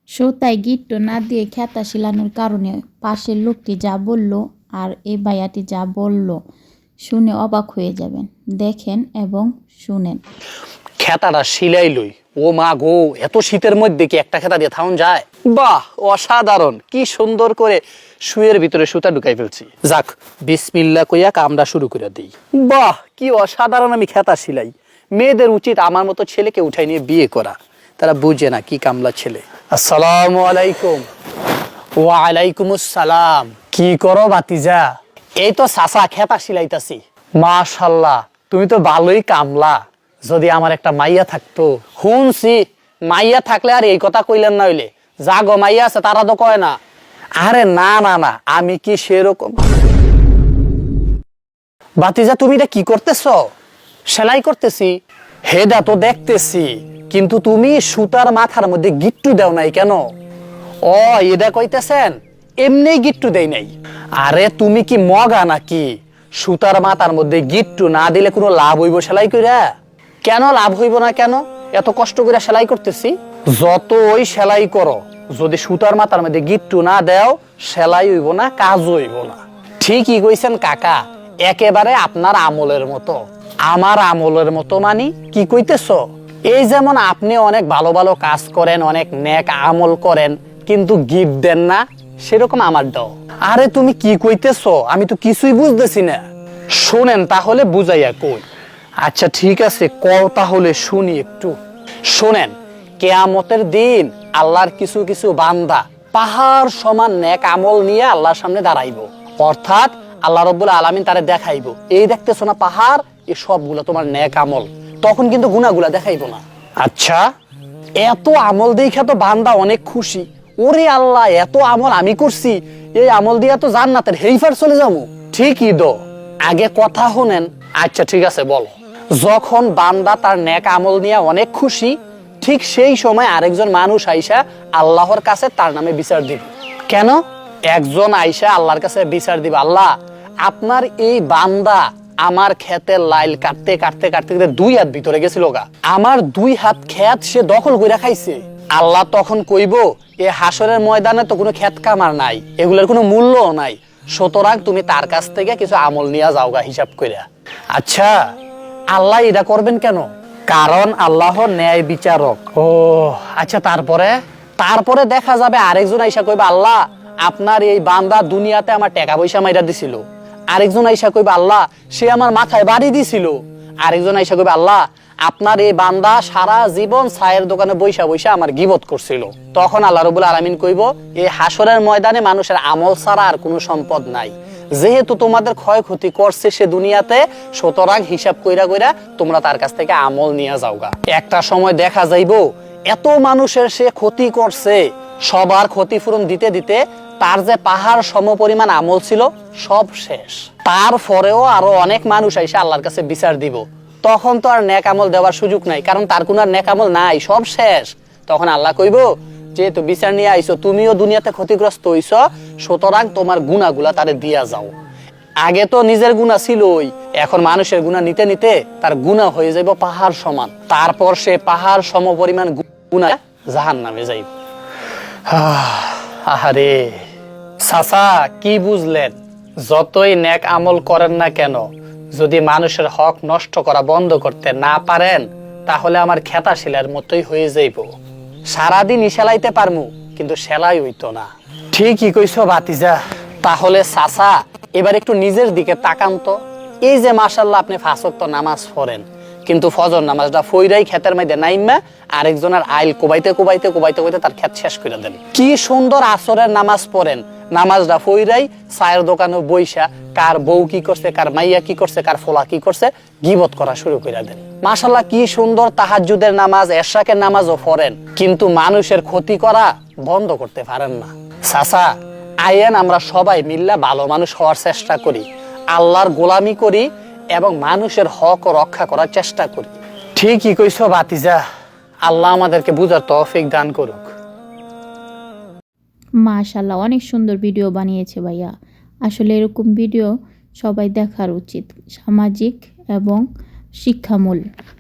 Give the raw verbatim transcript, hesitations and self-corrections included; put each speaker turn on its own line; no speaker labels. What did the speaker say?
সুতায় গিট্টু না দিয়ে খেতা শিলানোর কারণে পাশের লোকটি যা বলল আর এই ভাইয়াটি যা বলল শুনে অবাক হয়ে যাবেন। দেখেন এবং শুনেন।
খেতাটা শিলাই লই। ও মা গো, এত শীতের মধ্যে কি একটা খেতা দিয়ে থাউন যায়? বাহ, অসাধারণ! কি সুন্দর করে শুয়ের ভিতরে সুতা ঢুকাই ফেলছি। যাক, বিসমিল্লাহ কইয়া কামটা শুরু করে দিই। বাহ, কি অসাধারণ আমি খেতা শিলাই। মেয়েদের উচিত আমার মতো ছেলেকে উঠাই নিয়ে বিয়ে করা, তারা বুঝে না কি কামলা ছেলে। আসসালামু আলাইকুম। ওয়ালাইকুম আসসালাম। কি করো বাতিজা? এই তো চাচা খেতা শিলাইতাছি। মাশাআল্লাহ, তুমি তো ভালোই কামলা। যদি আমার একটা মাইয়া থাকতো। শুনছি মাইয়া থাকলে আর এই কথা কইলেন না, হইলে যা গো মাইয়া আছে তারা তো কয় না। আরে না না না, আমি কি সেরকম। বাতিজা, তুমি এটা কি করতেছ? সেলাই করতেছি। হেডা তো দেখতেছি, কিন্তু তুমি সুতার মাথার মধ্যে গিট্টু দাও নাই কেন? ও, এটা কইতেছেন? এমনি গিট্টু দেই নাই। আরে তুমি কি মগা নাকি? সুতার মাথার মধ্যে গিট্টু না দিলে কোনো লাভ হইব সেলাই কইরা? কেন লাভ হইব না কেন? এত কষ্ট করে সেলাই করতেছি। যত ওই সেলাই করো, যদি সুতার মাথার মধ্যে গিট্টু না দেও, সেলাই হইব না, কাজ হইব না। ঠিকই কইছেন কাকা, একেবারে আপনার আমলের মতো। আমার আমলের মতো মানি কি কইতেছ? এই যেমন আপনি অনেক ভালো ভালো কাজ করেন, অনেক নেক আমল করেন, কিন্তু গিফট দেন না, সেরকম আমার দাও। আরে তুমি কি কইতেছ? আমি তো কিছুই বুঝতেছি না। শোনেন তাহলে বুঝাইয়া কই। আচ্ছা ঠিক আছে, কও তাহলে শুনি একটু। শোনেন, কিয়ামতের দিন আল্লাহর কিছু কিছু বান্দা পাহাড় সমান নেক আমল নিয়ে আল্লাহর সামনে দাঁড়াইবো। অর্থাৎ আল্লাহ রাব্বুল আলামিন তারে দেখাইবো, এই দেখতেছো না পাহাড়, এই সবগুলো তোমার নেক আমল। তখন কিন্তু গুনাহগুলা দেখাইবো না। আচ্ছা, এত আমল দেখা তো বান্দা অনেক খুশি। ওরে আল্লাহ, এত আমল আমি করছি, এই আমল দিয়া তো জান্নাতের হেইফার চলে যাবো। ঠিকই তো, আগে কথা শুনেন। আচ্ছা ঠিক আছে, বলো। যখন বান্দা তার নেক আমল নিয়ে অনেক খুশি, ঠিক সেই সময় আরেকজন মানুষ আইসা আল্লাহর কাছে তার নামে বিচার দিবে। কেন? একজন আইসা আল্লাহর কাছে বিচার দিবে, আল্লাহ আপনার এই বান্দা আমার ক্ষেতের লাইল কাটতে কাটতে কাটতে কাটতে দুই হাত ভিতরে গেছিল গা, আমার দুই হাত ক্ষেত সে দখল করে খাইছে। আল্লাহ তখন কইব, এ হাসরের ময়দানে তো কোনো ক্ষেত কামার নাই, এগুলোর কোনো মূল্যও নাই, সুতরাং তুমি তার কাছ থেকে কিছু আমল নিয়ে যাওগা হিসাব কইরা। আচ্ছা, আল্লাহ এটা করবেন কেন? কারণ আল্লাহ ন্যায় বিচারক। ও আচ্ছা, তারপরে তারপরে দেখা যাবে আরেকজন আইসা কইবা, আল্লাহ আপনার এই বান্দা দুনিয়াতে আমার টাকা পয়সা মাইরা দিছিল। আরেকজন আইসা কইবা, আল্লাহ সে আমার মাথায় বাড়ি দিছিল। আরেকজন আইসা কইবা, আল্লাহ আপনার এই বান্দা সারা জীবন চায়ের দোকানে বইসা বইসা আমার গীবত করছিল। তখন আল্লাহ রাব্বুল আলামিন কইব, এই হাসরের ময়দানে মানুষের আমল ছাড়া আর কোনো সম্পদ নাই, যেহেতু তোমাদের ক্ষয়ক্ষতি করছে সে দুনিয়াতে, সুতরাং হিসাব কইরা কইরা তোমরা তার কাছ থেকে আমল নিয়ে যাওগা। একটা সময় দেখা যাইব এত মানুষের সে ক্ষতি করছে, সবার ক্ষতিপূরণ দিতে দিতে তার যে পাহাড় সমপরিমাণ আমল ছিল সব শেষ। তারপরেও আরো অনেক মানুষ আইসা আল্লাহর কাছে বিচার দিব। তখন তো আর নেক আমল দেওয়ার সুযোগ নাই, কারণ তার কোনো আর নেক আমল নাই, সব শেষ। তখন আল্লাহ কইব, যেহেতু বিচার নিয়ে আইছো, তুমিও দুনিয়াতে ক্ষতিগ্রস্ত হইছ, সুতরাং তোমার গুনাহগুলা তারে দিয়া যাও। আগে তো নিজের গুনাহ ছিলই, এখন মানুষের গুনাহ নিতে নিতে তার গুনাহ হয়ে যাইব পাহাড় সমান। তারপর সে পাহাড় সমপরিমাণ গুনাহ জাহান্নামে যাইব। আহারে চাচা, কি বুঝলেন? যতই নেক আমল করেন না কেন, যদি মানুষের হক নষ্ট করা বন্ধ করতে না পারেন, তাহলে আমার খেতা শিলার মতোই হয়ে যাইব। সারাদিন সেলাইতে পারমু, কিন্তু সেলাই হইতো না। ঠিকই কইছো ভাতিজা। তাহলে চাচা, এবার একটু নিজের দিকে তাকান তো। এই যে মাশাআল্লাহ আপনি পাঁচ ওয়াক্ত নামাজ পড়েন, কিন্তু ফজর নামাজটা ফইরাই ক্ষেতের মধ্যে নাইমা আরেকজনের আইল কোবাইতে কোবাইতে কোবাইতে কোবাইতে তার ক্ষেত শেষ করে দেন। কি সুন্দর আসরের নামাজ পড়েন, নামাজটা ফইরাই চায়ের দোকানে বইসা কার বউ কি করছে, কার মাইয়া কি করছে, কার ফোলা কি করছে গীবত করা শুরু করে দেন। মাশাআল্লাহ কি সুন্দর তাহাজ্জুদের নামাজ, এশরাকের নামাজও পড়েন, কিন্তু মানুষের ক্ষতি করা বন্ধ করতে পারেন না। চাচা, আইয়েন আমরা সবাই মিল্লা ভালো মানুষ হওয়ার চেষ্টা করি, আল্লাহর গোলামি করি এবং মানুষের হক রক্ষা করার চেষ্টা করি। ঠিকই কইছো ভাতিজা, আল্লাহ আমাদেরকে বুঝার তৌফিক দান করুক।
মাশাআল্লাহ, অনেক সুন্দর ভিডিও বানিয়েছে ভাইয়া। আসলে এরকম ভিডিও সবাই দেখার উচিত, সামাজিক এবং শিক্ষামূলক।